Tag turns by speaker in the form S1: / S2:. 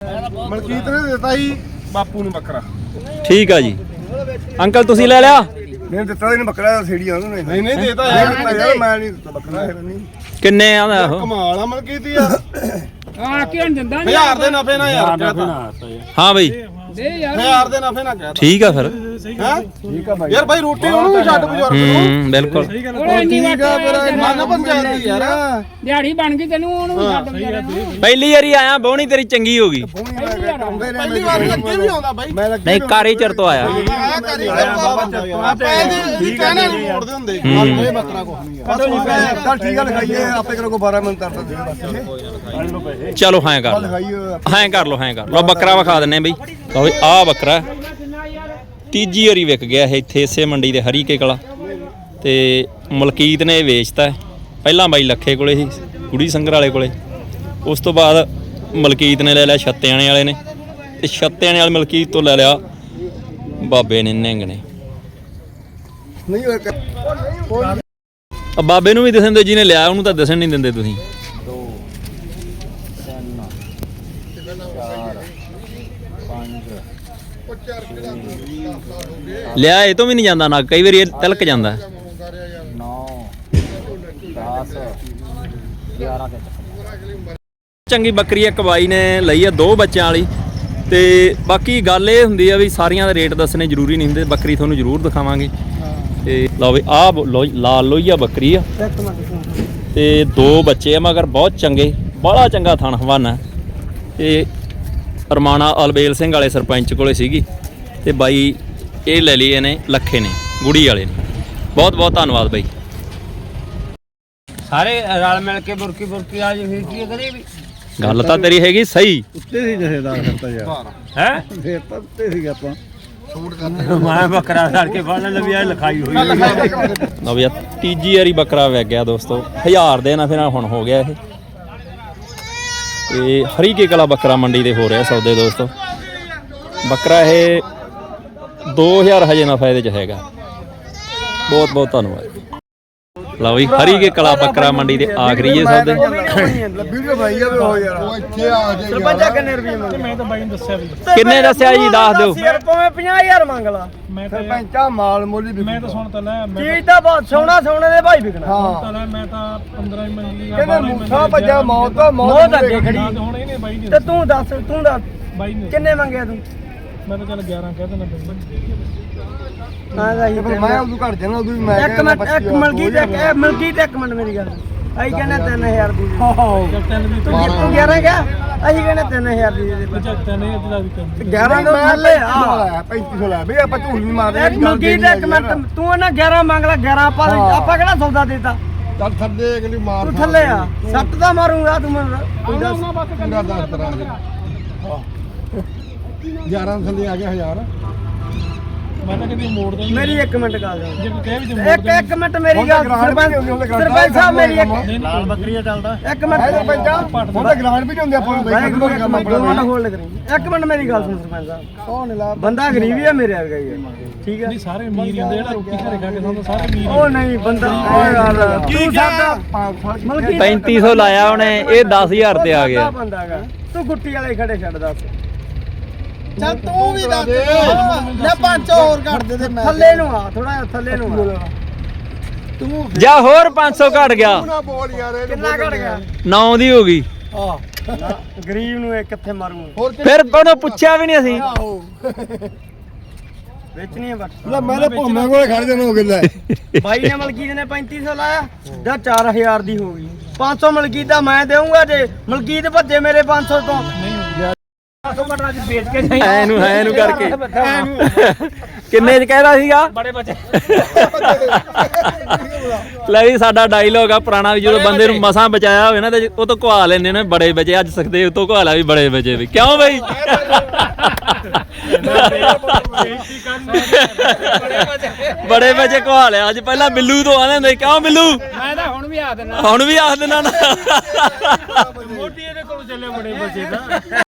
S1: ਮਲਕੀਤ ਨੇ ਦਿੱਤਾ ਜੀ ਬਾਪੂ ਨੂੰ ਬੱਕਰਾ।
S2: ਠੀਕ ਆ ਜੀ ਅੰਕਲ ਤੁਸੀਂ ਲੈ ਲਿਆ?
S1: ਨਹੀਂ ਦਿੱਤਾ ਇਹਨੂੰ ਬੱਕਰਾ ਸੀੜੀਆਂ ਉਹਨੂੰ ਨਹੀਂ ਨਹੀਂ ਦੇਤਾ ਯਾਰ ਮੈਂ ਨਹੀਂ ਦਿੱਤਾ ਬੱਕਰਾ ਨਹੀਂ।
S2: ਕਿੰਨੇ ਆਂਦਾ ਉਹ?
S1: ਕਮਾਲ ਆ ਮਲਕੀਤ ਯਾਰ
S3: ਆ ਕਿਉਂ ਦਿੰਦਾ
S1: 1000 ਦੇ ਨਫੇ ਨਾਲ ਯਾਰ
S2: ਹਾਂ ਬਈ
S3: ਦੇ ਯਾਰ
S1: 1000 ਦੇ ਨਫੇ ਨਾਲ ਕਹਿ
S2: ਠੀਕ ਆ ਫਿਰ।
S1: ਹੈ ਠੀਕ ਆ ਬਾਈ ਯਾਰ ਬਾਈ ਰੋਟੀ ਉਹਨੂੰ ਵੀ ਛੱਡ ਬਜ਼ੁਰਗ ਨੂੰ।
S2: ਬਿਲਕੁਲ
S3: ਉਹ ਇੰਨੀ
S1: ਠੀਕ ਆ ਮੇਰਾ ਮਨ ਪੰਚਾਇਤ ਦੀ ਯਾਰ
S3: ਦਿਹਾੜੀ ਬਣ ਗਈ ਤੈਨੂੰ ਉਹਨੂੰ ਵੀ ਛੱਡ ਵਿਚਾਰੇ ਨੂੰ।
S2: ਪਹਿਲੀ ਵਾਰੀ ਆਇਆ ਬੋਣੀ ਤੇਰੀ ਚੰਗੀ ਹੋ ਗਈ।
S1: ਪਹਿਲੀ ਵਾਰ ਲੱਗੇ ਵੀ ਆਉਂਦਾ ਬਾਈ
S2: ਨਹੀਂ ਕਾਰੀ ਚਰ ਤੋਂ ਆਇਆ।
S1: ਆਇਆ ਕਰੀ ਆਪਾਂ ਇਹਦੀ ਕਹਿਣਾ ਨਹੀਂ ਮੋੜਦੇ ਹੁੰਦੇ ਇਹ ਬੱਕਰਾ ਕੁਛ ਨਹੀਂ ਆ। ਚੱਲ ਠੀਕ ਆ ਲਿਖਾਈਏ ਆਪੇ ਕਰੋ 12 ਮਿੰਟ ਕਰ ਦਿੰਦੇ ਬਸ।
S2: ਚਲੋ ਹਾਂ ਕਰ ਲਓ ਹਾਂ ਕਰ ਲਓ ਬੱਕਰਾ ਵਿਖਾ ਦਿੰਨੇ ਬਈ। ਲਓ ਬਈ ਆਹ ਬੱਕਰਾ ਤੀਜੀ ਵਾਰੀ ਵਿਕ ਗਿਆ ਇਹ ਇੱਥੇ ਇਸੇ ਮੰਡੀ ਦੇ ਹਰੀਕੇ ਕਲਾ ਤੇ ਮਲਕੀਤ ਨੇ ਇਹ ਵੇਚਤਾ। ਪਹਿਲਾਂ ਬਾਈ ਲੱਖੇ ਕੋਲੇ ਸੀ ਕੁੜੀ ਸੰਗਰ ਵਾਲੇ ਕੋਲੇ, ਉਸ ਤੋਂ ਬਾਅਦ ਮਲਕੀਤ ਨੇ ਲੈ ਲਿਆ ਛੱਤਿਆਣੇ ਵਾਲੇ ਨੇ ਤੇ ਛੱਤਿਆਣੇ ਵਾਲੇ ਮਲਕੀਤ ਤੋਂ ਲੈ ਲਿਆ ਬਾਬੇ ਨੇ ਨਿੰਗ ਨੇ। ਬਾਬੇ ਨੂੰ ਵੀ ਦੱਸਣ ਦੇ ਜਿਹਨੇ ਲਿਆ ਉਹਨੂੰ ਤਾਂ ਦੱਸਣ ਨਹੀਂ ਦਿੰਦੇ ਤੁਸੀਂ।
S4: 2 3 4
S2: ਲਿਆ ਇਹ ਤੋਂ ਵੀ ਨਹੀਂ ਜਾਂਦਾ ਨਾ, ਕਈ ਵਾਰੀ ਇਹ ਤਿਲਕ ਜਾਂਦਾ।
S4: 9 10 11
S2: ਚੰਗੀ ਬੱਕਰੀ ਇੱਕ ਬਾਈ ਨੇ ਲਈ ਆ 2 ਬੱਚਿਆਂ ਵਾਲੀ ਤੇ ਬਾਕੀ ਗੱਲ ਇਹ ਹੁੰਦੀ ਆ ਵੀ ਸਾਰੀਆਂ ਦੇ ਰੇਟ ਦੱਸਣੇ ਜ਼ਰੂਰੀ ਨਹੀਂ ਹੁੰਦੇ। ਬੱਕਰੀ ਤੁਹਾਨੂੰ ਜ਼ਰੂਰ ਦਿਖਾਵਾਂਗੇ ਤੇ ਲਓ ਵੀ ਆਹ ਲਾਲ ਲੋਹੀਆ ਬੱਕਰੀ ਆ ਤੇ 2 ਬੱਚੇ ਆ ਮਗਰ ਬਹੁਤ ਚੰਗੇ, ਬੜਾ ਚੰਗਾ ਥਣ ਹਵਾਨਾ ਤੇ ਰਮਾਣਾ ਅਲਬੇਲ ਸਿੰਘ ਵਾਲੇ ਸਰਪੰਚ ਕੋਲੇ ਸੀਗੀ ਤੇ ਬਾਈ ਇਹ ਲੈ ਲਈ ਇਹਨੇ ਲੱਖੇ ਨੇ ਗੁੜੀ ਵਾਲੇ ਨੇ। ਬਹੁਤ ਬਹੁਤ ਧੰਨਵਾਦ ਬਾਈ।
S3: ਸਾਰੇ ਰਲ ਮਿਲ ਕੇ ਬੁਰਕੀ ਆ ਜੀ ਫਿਰ ਕੀ ਕਰੇ ਵੀ
S2: ਗੱਲ ਤਾਂ ਤੇਰੀ ਹੈਗੀ ਸਹੀ।
S1: ਉੱਤੇ ਸੀ ਜਥੇਦਾਰ ਕਰਤਾ ਯਾਰ
S3: ਹੈ
S1: ਫੇਰ ਤਾਂ ਉੱਤੇ ਸੀ ਆਪਾਂ ਛੂਟ
S3: ਮੈਂ ਬੱਕਰਾ ਛੱਡ ਕੇ ਫੜਨ ਲੱਭਿਆ ਲਿਖਾਈ ਹੋਈ
S2: ਲਓ ਵੀ ਤੀਜੀ ਵਾਰੀ ਬੱਕਰਾ ਵਿਕ ਗਿਆ ਦੋਸਤੋ। 1000 ਦੇ ਨਾ ਫਿਰ ਹੁਣ ਹੋ ਗਿਆ ਇਹ ਤੇ ਹਰੀਕੇ ਕਲਾ ਬੱਕਰਾ ਮੰਡੀ ਦੇ ਹੋ ਰਿਹਾ ਸੌਦੇ ਦੋਸਤੋ। ਬੱਕਰਾ ਇਹ 2000 ਹਜੇ ਨਾ ਫਾਇਦੇ ਚ ਹੈਗਾ। ਬਹੁਤ ਬਹੁਤ ਧੰਨਵਾਦ। ਲਓ ਵੀ ਹਰੀਕੇ ਕਲਾ ਬੱਕਰਾ ਮੰਡੀ ਦੇ ਆਖਰੀ ਜੇ ਸੌਦੇ।
S1: ਵੀਡੀਓ ਭਾਈ ਆ ਉਹ ਯਾਰ ਉਹ ਇੱਥੇ ਆ ਜੇ
S3: ਸਰਪੰਚਾ ਕਿੰਨੇ ਰੁਪਏ ਮੰਗੇ? ਮੈਂ ਤਾਂ ਬਾਈ ਨੂੰ ਦੱਸਿਆ ਵੀ
S2: ਕਿੰਨੇ ਦੱਸਿਆ ਜੀ ਦੱਸ ਦਿਓ।
S3: ਸਿਰ ਭਾਵੇਂ 50000 ਮੰਗ ਲਾ।
S1: ਮੈਂ ਸਰਪੰਚਾ ਮਾਲ ਮੁੱਲ ਵੀ
S3: ਮੈਂ ਤਾਂ ਸੁਣ ਤਾਂ ਲੈ ਚੀਜ਼ ਤਾਂ ਬਹੁਤ ਸੋਹਣਾ ਦੇ ਭਾਈ ਵਿਕਣਾ।
S1: ਹਾਂ
S3: ਤਾਂ ਲੈ ਮੈਂ ਤਾਂ 15 ਹੀ ਮੰਗੀ ਆ।
S1: ਕਹਿੰਦੇ ਮੂਸਾ ਭੱਜਾ ਮੌਤ
S3: ਅੱਗੇ ਖੜੀ
S5: ਹੁਣ ਇਹਨੇ ਬਾਈ ਨੇ
S3: ਤੇ ਤੂੰ ਦੱਸ
S5: ਬਾਈ ਨੇ
S3: ਕਿੰਨੇ ਮੰਗਿਆ ਤੂੰ?
S5: ਮੈਂ ਤਾਂ ਚੱਲ 11 ਕਹਿ ਦੇਣਾ
S3: ਹਾਂ ਗਾਈ
S1: ਮੈਂ ਉਦੋਂ ਘੜ ਜਾਣਾ ਉਦੋਂ ਵੀ ਮੈਂ
S3: ਇੱਕ ਮਿੰਟ ਇੱਕ ਮਿੰਟ ਮੇਰੀ ਗੱਲ। ਅਸੀਂ ਕਹਿੰਦੇ 3000 ਦੀ ਦੇ। ਤੂੰ 11 ਗਿਆ ਅਸੀਂ ਕਹਿੰਦੇ 3000 ਦੀ ਦੇ। 11 ਤੋਂ ਥੱਲੇ ਆ
S1: 3500 ਲੈ ਬਈ ਆਪਾਂ ਝੂਠ ਨਹੀਂ ਮਾਰਦੇ।
S3: ਇੱਕ ਮਿੰਟ ਤੂੰ ਨਾ 11 ਮੰਗ ਲੈ 11 ਆਪਾਂ ਕਿਹੜਾ ਸੌਦਾ ਦੇਤਾ।
S1: ਚੱਲ ਥੱਲੇ ਅਗਲੀ ਮਾਰ
S3: ਤੂੰ ਥੱਲੇ ਆ ਸੱਟ ਦਾ ਮਾਰੂੰਗਾ ਤੂੰ ਮੈਨੂੰ ਕੋਈ ਦੱਸ।
S1: ਪੂਰਾ 10 ਤਰ੍ਹਾਂ ਦੇ 11 ਥੱਲੇ ਆ ਗਿਆ 1000।
S5: ਮੈਂ ਤਾਂ ਕਦੀ ਮੋੜ ਦੇ
S3: ਮੇਰੀ 1 ਮਿੰਟ ਗੱਲ
S5: ਜੇ ਕੋਈ ਕਹਿ ਵੀ
S3: ਇੱਕ ਮਿੰਟ ਮੇਰੀ ਗੱਲ ਸਰਪੰਚ ਸਾਹਿਬ ਮੇਰੀ
S5: ਲਾਲ ਬੱਕਰੀਆ ਚੱਲਦਾ
S3: 1 ਮਿੰਟ
S1: ਸਰਪੰਚਾ ਉਹਦਾ ਗ੍ਰਾਂਟ ਵੀ ਨਹੀਂ ਹੁੰਦੇ ਆਪਾਂ ਨੂੰ ਬਈ
S3: ਹੋਲਡ ਕਰੀ 1 ਮਿੰਟ ਮੇਰੀ ਗੱਲ ਸੁਣ ਸਰਪੰਚ ਸਾਹਿਬ। ਬੰਦਾ ਗਰੀਬ ਹੀ ਆ ਮੇਰੇ ਵਰਗਾ ਹੀ ਆ ਠੀਕ ਹੈ।
S5: ਨਹੀਂ ਸਾਰੇ ਅਮੀਰ ਹੀ ਹੁੰਦੇ ਜਿਹੜਾ ਰੋਟੀ ਘਰੇ ਖਾ ਕੇ ਖਾਂਦਾ ਸਾਰੇ ਅਮੀਰ
S3: ਉਹ ਨਹੀਂ ਬੰਦਾ ਉਹ ਯਾਰ ਤੂੰ ਸਾਡਾ
S2: 3500 ਲਾਇਆ ਉਹਨੇ ਇਹ 10000 ਤੇ ਆ ਗਿਆ।
S3: ਬੰਦਾ ਹੈਗਾ ਤੂੰ ਗੁੱਟੀ ਵਾਲੇ ਖੜੇ ਛੱਡ ਦੱਸ।
S1: ਚੱਲ ਤੂੰ ਵੀ ਦੱਸ ਲੈ 500 ਹੋਰ ਕੱਢ ਦੇ ਤੇ ਮੈਂ
S3: ਥੱਲੇ ਨੂੰ ਆ ਥੋੜਾ ਜਿਹਾ ਥੱਲੇ ਨੂੰ ਆ।
S1: ਤੂੰ
S2: ਜਾਂ ਹੋਰ 500 ਘਟ ਗਿਆ।
S1: ਨਾ ਬੋਲ ਯਾਰ
S3: ਕਿੰਨਾ ਘਟ ਗਿਆ?
S2: 9 ਦੀ ਹੋ ਗਈ।
S3: ਗਰੀਬ ਨੂੰ ਇਹ ਕਿੱਥੇ ਮਾਰੂ
S2: ਫਿਰ ਉਹਨੂੰ ਪੁੱਛਿਆ ਵੀ ਨਹੀਂ ਅਸੀਂ।
S3: ਵੇਚਣੀ ਹੈ ਬਸ
S1: ਲੈ ਮੈਂ ਤਾਂ ਭੋਮੇ ਕੋਲੇ ਖੜ ਜਾਣਾ ਹੋ ਗਿਆ।
S3: ਬਾਈ ਨੇ ਮਲਕੀਤ ਨੇ 3500 ਲਾਇਆ ਜਾਂ 4000 ਦੀ ਹੋ ਗਈ। 500 ਮਲਕੀਤ ਦਾ ਮੈਂ ਦੇਵਾਂਗਾ ਜੇ ਮਲਕੀਤ ਭੱਜੇ ਮੇਰੇ 500 ਤੋਂ। 500 ਘਟਣਾ ਚ ਵੇਚ ਕੇ ਜਾਈ
S2: ਐਨੂੰ ਕਰਕੇ ਕਿੰਨੇ ਚ ਕਹਿਦਾ ਸੀਗਾ
S3: ਬੜੇ ਬੱਚੇ।
S2: ਲੈ ਵੀ ਸਾਡਾ ਡਾਇਲੋਗ ਆ ਪੁਰਾਣਾ ਵੀ ਜਦੋਂ ਬੰਦੇ ਨੂੰ ਮਸਾਂ ਬਚਾਇਆ ਹੋਵੇ ਨਾ ਤੇ ਉਹ ਤੋਂ ਘਵਾ ਲੈਂਦੇ ਨੇ ਬੜੇ ਬਚੇ। ਅੱਜ ਸਕਦੇ ਉਹ ਤੋਂ ਘਵਾ ਲਿਆ ਵੀ ਬੜੇ ਬਚੇ ਵੀ ਕਿਉਂ ਬਈ। ਬੜੇ ਬਚੇ ਘਵਾ ਲਿਆ ਅੱਜ। ਪਹਿਲਾਂ ਬਿੱਲੂ ਤੋਂ ਆਉਂਦੇ ਹੁੰਦੇ ਕਿਉਂ ਬਿੱਲੂ।
S3: ਮੈਂ ਤਾਂ ਹੁਣ ਵੀ ਆ ਦੇਣਾ
S2: ਹੁਣ ਵੀ ਆਖ ਦੇਣਾ ਨਾ
S3: ਮੋਟੀ ਇਹਦੇ ਕੋਲ ਚੱਲੇ ਬੜੇ ਬੱਚੇ ਦਾ।